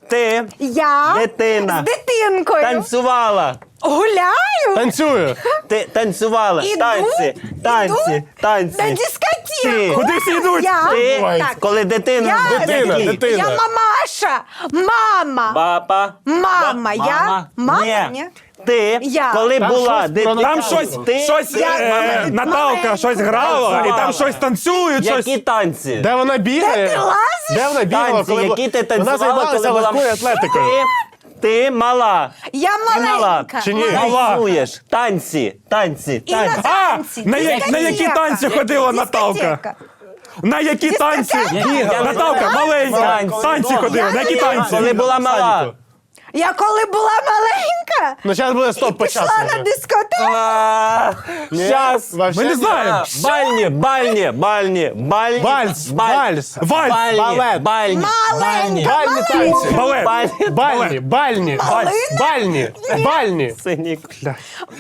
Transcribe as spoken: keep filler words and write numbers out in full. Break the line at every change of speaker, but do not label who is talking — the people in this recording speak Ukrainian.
Ти
Я
Дитина.
з дитинкою
танцювала.
гуляю
Танцюю.
Ти танцювала.
Іду,
Танці, танці,
іду
танці.
на дискотеку.
Ти.
Куди всі йдуть?
Я,
Ти,
так,
коли дитина...
Я-
Дитина,
Який?
дитина.
я мамаша, мама,
Папа.
мама, я, мама,
Ні.
ні.
Ти,
Я.
коли
Там
була
щось
дитина...
про-
Там щось,
Ти,
щось
Я-
е,
маленька.
Наталка щось грала, і там
Танцювала.
щось танцюють, щось.
Які танці?
Де вона бігає?
Де ти лазиш?
Де вона бігала?
Танці,
коли
які ти
була- Вона
танцювала,
займалася
коли була...
легкою атлетикою.
Ти, ти мала.
Я
Ти мала.
маленька.
Чи ні?
Мала.
Танцюєш. Танці, танці,
І на
танці.
А,
танці.
на я- на які
Дискотека.
танці ходила Наталка?
Дискотека.
На які танці?
Я не
Наталка,
знаю.
маленька.
Танці.
Танці ходила. На які
Я
танці?
Коли була мала.
Я коли була маленька,
Ну, зараз буде стоп по
пішла
часу.
на дискотеку.
Щас.
Вообще
Ми не
ні.
знаємо.
Бальні, бальні, бальні, бальні.
Вальс,
баль-
вальс.
Вальс.
Бальні,
Балет.
бальні.
Маленька,
Бальні танці.
Балет.
Бальні.
Бальні, бальні,
Малина?
бальні, бальні.
Синік.